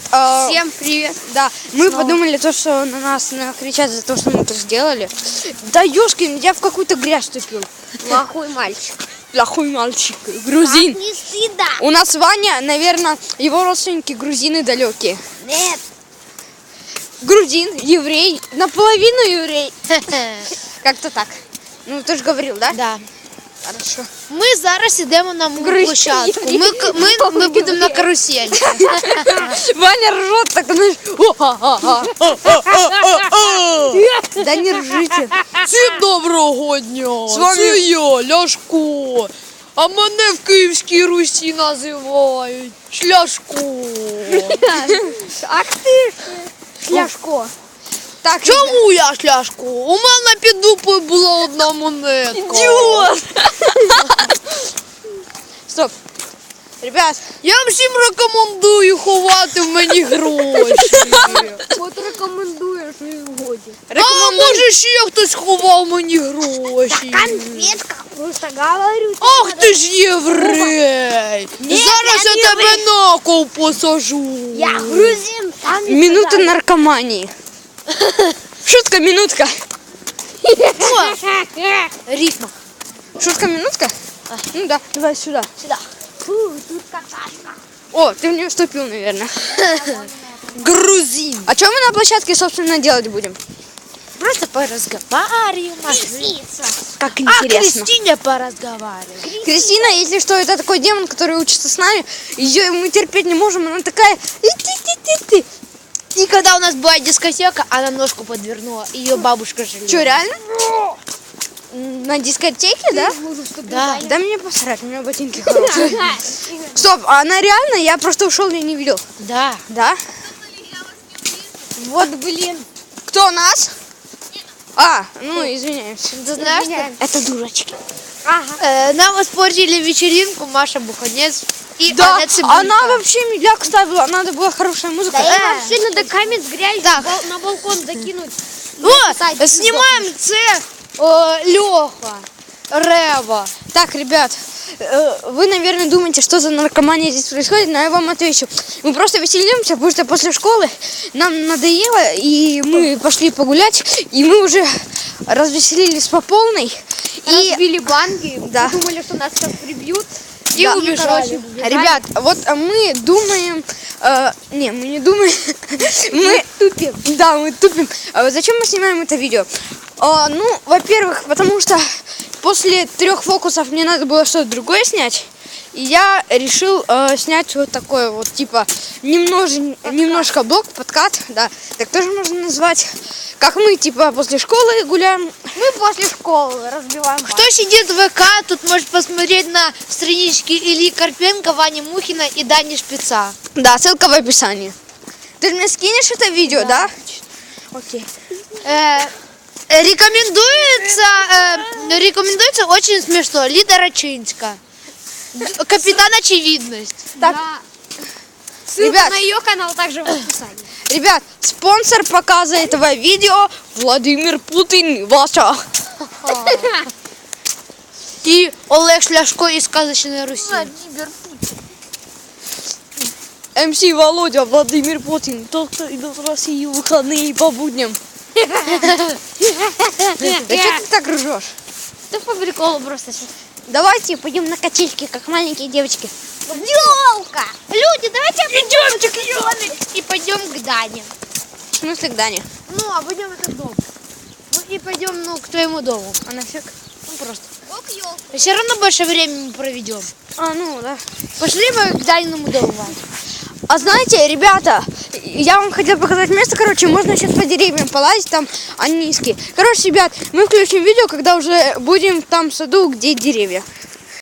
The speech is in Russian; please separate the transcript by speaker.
Speaker 1: Всем привет.
Speaker 2: Да, мы подумали то, что на нас кричат за то, что мы это сделали. Да ёшкин, я в какую-то грязь вступил.
Speaker 1: Плохой мальчик.
Speaker 2: Плохой мальчик. Грузин.
Speaker 1: Так не стыдно.
Speaker 2: У нас Ваня, наверное, его родственники грузины далекие.
Speaker 1: Нет.
Speaker 2: Грузин, еврей, наполовину еврей. Как-то так. Ну, ты же говорил, да?
Speaker 1: Да.
Speaker 2: Хорошо.
Speaker 1: Ми зараз йдемо на мою площадку. Ми будемо на каруселі.
Speaker 2: Ваня ржет, так знаешь. Да не ржите.
Speaker 3: Всім доброго дня!
Speaker 2: З вами-
Speaker 3: Це я, Ляшко. А мене в Київській Русі називають Шляшко.
Speaker 1: Ах ти Шляшко.
Speaker 2: Так,
Speaker 3: Чому я Шляшко? У мене під дупою була одна монетка.
Speaker 2: Идиот! Стоп. Ребят,
Speaker 3: Я всім рекомендую ховати в мені гроші.
Speaker 1: От рекомендуєш і годі.
Speaker 3: А може ще хтось ховав мені гроші.
Speaker 1: Конфетка, просто говорю.
Speaker 3: Ах ти ж єврей! Зараз
Speaker 1: я не
Speaker 3: я тебе на кол посажу.
Speaker 1: Я грузин. Сам
Speaker 2: минута наркомании. Шутка, минутка.
Speaker 1: Рифма.
Speaker 2: Шутка, минутка? Ну да, давай сюда.
Speaker 1: Сюда. Фу, тут какашка.
Speaker 2: О, ты в нее вступил, наверное.
Speaker 3: Грузин.
Speaker 2: А что мы на площадке, собственно, делать будем?
Speaker 1: Просто поразговариваем.
Speaker 2: Как
Speaker 3: А
Speaker 2: интересно.
Speaker 3: Кристине поразговариваем.
Speaker 2: Кристина, если что, это такой демон, который учится с нами. Ее мы терпеть не можем, она такая... «И-ти-ти-ти-ти».
Speaker 1: И когда у нас была дискотека, она ножку подвернула. Ее бабушка жалела.
Speaker 2: Что, реально? На дискотеке, да?
Speaker 1: Да.
Speaker 2: Да мне посрать, у меня ботинки хорошие. Стоп, а она реально? Я просто ушел, я не видел.
Speaker 1: Да.
Speaker 2: Да?
Speaker 1: Вот, блин.
Speaker 2: Кто нас? А, ну извиняемся.
Speaker 1: Ты знаешь, что
Speaker 2: Это дурачки.
Speaker 1: нам испортили вечеринку Маша Буханец и
Speaker 2: Да,
Speaker 1: Аня Цибулька.
Speaker 2: она вообще медляк ставила, надо была хорошая музыка.
Speaker 1: вообще надо камень с грязью на балкон закинуть.
Speaker 3: О, снимаем це Леха, Рева.
Speaker 2: Так, ребят, вы, наверное, думаете, что за наркомания здесь происходит, но я вам отвечу. Мы просто веселимся, потому что после школы нам надоело, и мы пошли погулять, и мы уже развеселились по полной. И
Speaker 1: Разбили банки,
Speaker 2: Да.
Speaker 1: думали, что нас сейчас прибьют.
Speaker 2: И
Speaker 1: Да.
Speaker 2: убежали.
Speaker 1: Убежали.
Speaker 2: Ребят, вот мы думаем... не, мы не думаем. Мы тупим. Да, мы тупим. А вот зачем мы снимаем это видео? Ну, во-первых, потому что после 3 фокусов мне надо было что-то другое снять. И я решил снять вот такое вот, типа, немножко блок, подкат, да, так тоже можно назвать. Как мы, типа, после школы гуляем.
Speaker 1: Мы после школы разбиваем банки.
Speaker 3: Кто сидит в ВК, тут может посмотреть на странички Ильи Карпенко, Вани Мухина и Дани Шпица.
Speaker 2: Да, ссылка в описании. Ты же мне скинешь это видео, да? Окей.
Speaker 3: Рекомендуется очень смешно. Лида Рачинска. Капитан Очевидность.
Speaker 2: Так,
Speaker 1: Ссылка
Speaker 2: ребят.
Speaker 1: на ее канал также в описании.
Speaker 2: Ребят, спонсор показа этого видео Владимир Путин, Ваша.
Speaker 3: И Олег Шляшко из «Сказочной Руси».
Speaker 2: МС Володя, Владимир Путин, тот, кто идет в Россию в выходные по будням. Да что ты так ржешь?
Speaker 1: Да по приколу просто.
Speaker 2: Давайте пойдем на качельки, как маленькие девочки.
Speaker 1: Ёлка! Люди, давайте идемте к Ёле и пойдем к Дане.
Speaker 2: В смысле к Дане?
Speaker 1: Ну, а пойдем в этот дом. Ну и пойдем, к твоему дому.
Speaker 2: А нафиг?
Speaker 1: Ну просто. Все равно больше времени мы проведем.
Speaker 2: А, ну да.
Speaker 1: Пошли мы к Даниному дому, Вань.
Speaker 2: А знаете, ребята, я вам хотел показать место, короче, можно сейчас по деревьям полазить, там они низкие. Короче, ребят, мы включим видео, когда уже будем в том саду, где деревья.